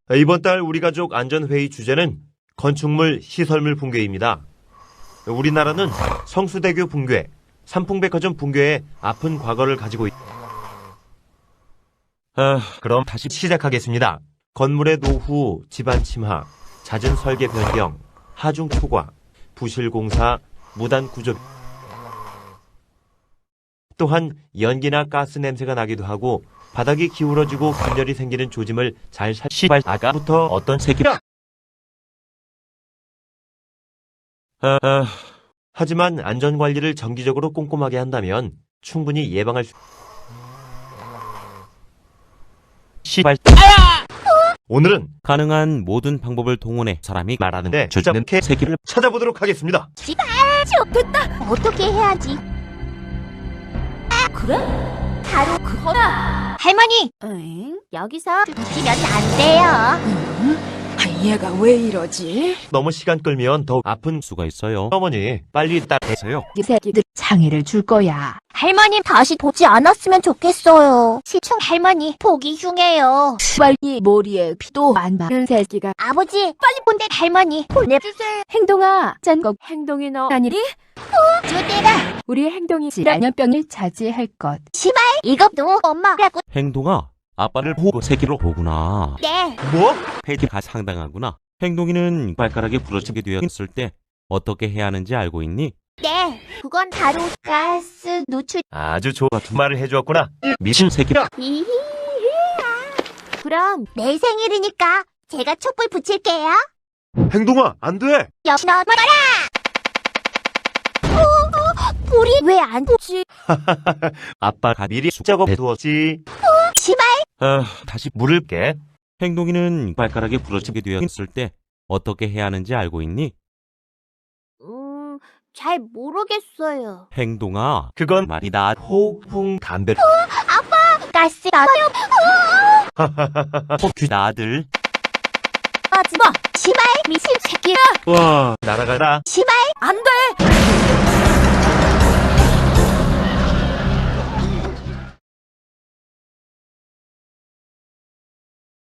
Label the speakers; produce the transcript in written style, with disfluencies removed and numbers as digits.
Speaker 1: 이번 달 우리 가족 안전회의 주제는 건축물, 시설물 붕괴입니다. 우리나라는 성수대교 붕괴, 삼풍백화점 붕괴의 아픈 과거를 가지고 그럼 다시 시작하겠습니다. 건물의 노후, 집안 침하, 잦은 설계 변경, 하중 초과, 부실 공사, 무단 구조, 또한 연기나 가스 냄새가 나기도 하고 바닥이 기울어지고 균열이 생기는 조짐을 잘 시발 아까부터 어떤 새끼야? 하지만 안전관리를 정기적으로 꼼꼼하게 한다면 충분히 예방할 수... 시발... 오늘은
Speaker 2: 가능한 모든 방법을 동원해 사람이
Speaker 1: 말하는데 저자는 개새끼를 찾아보도록 하겠습니다.
Speaker 3: 됐다. 어떻게 해야지? 그래? 바로 그거다. 할머니. 응? 여기서 웃기면 안 돼요.
Speaker 4: 얘가 왜 이러지?
Speaker 1: 너무 시간 끌면 더 아픈
Speaker 2: 수가 있어요.
Speaker 1: 어머니 빨리 따라해서요.
Speaker 4: 이 새끼들 장애를 줄 거야.
Speaker 3: 할머니 다시 보지 않았으면 좋겠어요. 시청 할머니 보기 흉해요.
Speaker 4: 빨리 머리에 피도 안 바른 새끼가.
Speaker 3: 아버지 빨리 본데 할머니 보내주세요.
Speaker 4: 행동아, 짠거 행동이 너 아니리?
Speaker 3: 주대가
Speaker 4: 우리 행동이 질환병을 자제할 것.
Speaker 3: 시발 이것도 엄마라고.
Speaker 2: 행동아, 아빠를 보고 새끼로 보구나.
Speaker 3: 네.
Speaker 1: 뭐?
Speaker 2: 패디가 상당하구나. 행동이는 발가락에 부러지게 되었을 때 어떻게 해야 하는지 알고 있니?
Speaker 3: 네. 그건 바로 가스 노출.
Speaker 1: 아주 좋은 말을 해주었구나. 미친 새끼야.
Speaker 3: 히히히야. 그럼 내 생일이니까 제가 촛불 붙일게요.
Speaker 1: 행동아 안 돼.
Speaker 3: 역시 너 말아라. 불이 왜 안 붙지?
Speaker 1: 아빠가 미리 작업해두었지.
Speaker 3: 시발.
Speaker 1: 다시 물을 깨.
Speaker 2: 행동이는 발가락에 부러지게 되었을 때 어떻게 해야 하는지 알고 있니?
Speaker 3: 잘 모르겠어요.
Speaker 2: 행동아,
Speaker 1: 그건
Speaker 2: 말이다.
Speaker 1: 호풍 담배.
Speaker 3: 가스 나요.
Speaker 2: 귀나 아들.
Speaker 3: 하지마. 시발 미친 새끼야.
Speaker 1: 와 날아가라.
Speaker 3: 시발 안 돼.